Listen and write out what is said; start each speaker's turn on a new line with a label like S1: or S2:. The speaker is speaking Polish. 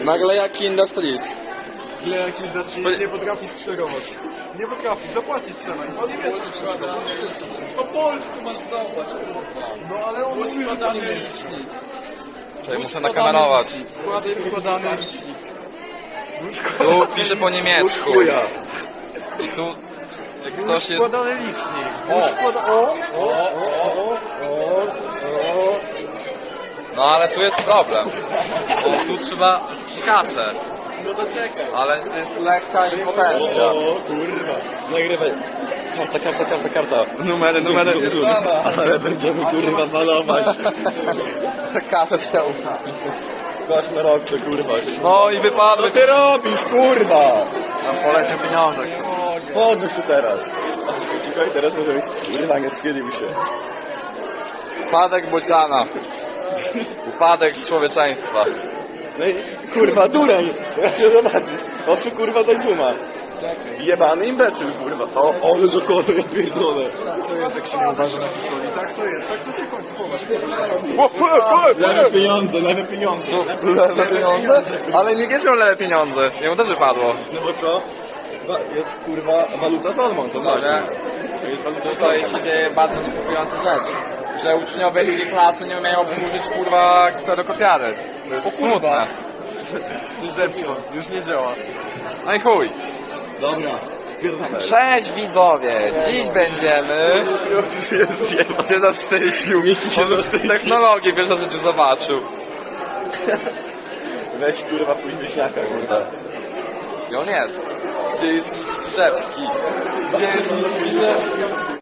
S1: Nagle jak Industries.
S2: Ile jak Industries nie potrafi skszerować. Nie potrafi, zapłacić trzeba. Po niemiecku wszystko.
S1: Po polsku masz zdołać, kurwa.
S2: No ale on musi
S1: Składany
S2: wykładany
S1: licznik.
S3: Czekaj, muszę nakamerować.
S2: Wkładany licznik.
S3: Tu pisze po niemiecku.
S2: Chuja.
S3: I tu jak ktoś jest...
S2: Wkładany licznik.
S3: No ale tu jest problem. Bo tu trzeba kasę.
S2: No to czekaj.
S3: Ale jest lekka impotencja.
S2: O kurwa. Nagrywaj. Karta. Numery. Ale będziemy kurwa malować.
S1: Kasę trzeba ubrać.
S2: Gość na rok, co kurwa.
S3: No i wypadły.
S2: Co ty robisz, kurwa?
S3: Tam poleciał pieniążek.
S2: Podnóż się teraz. Czekaj, teraz może być. Kurwa, nie schylił się.
S3: Upadek Bociana. Upadek człowieczeństwa.
S2: No i kurwa, dureń. Ja się zobaczyć. Oszu kurwa do zuma. Jebany imbecyl, kurwa. O, ale zakłada, ja pierdolę. Co jest, jak się nie uważa na historii? Tak to jest, tak to się kończy. Popatrz. Lewe pieniądze.
S3: Lewe pieniądze? Ale nikt nie miał lewe pieniądze. Jemu też wypadło.
S2: No bo co? Jest kurwa waluta Salmon, to znaczy. To jest waluta
S3: Tutaj się dzieje bardzo niepokojąca rzecz. Że uczniowie drugiej klasy nie umieją obsłużyć kurwa kserokopiary. To jest smutne.
S2: Zepsuł, już nie działa.
S3: No i chuj.
S2: Dobra, spierdolę.
S3: Cześć widzowie! Dziś będziemy... się zawstydził. On technologię pierwszy w życiu zobaczył.
S2: Weź kurwa pójdź wieśniaka, kurwa.
S3: Gdzie on jest? Gdzie jest Krzyżewski? Gdzie jest Krzyżewski?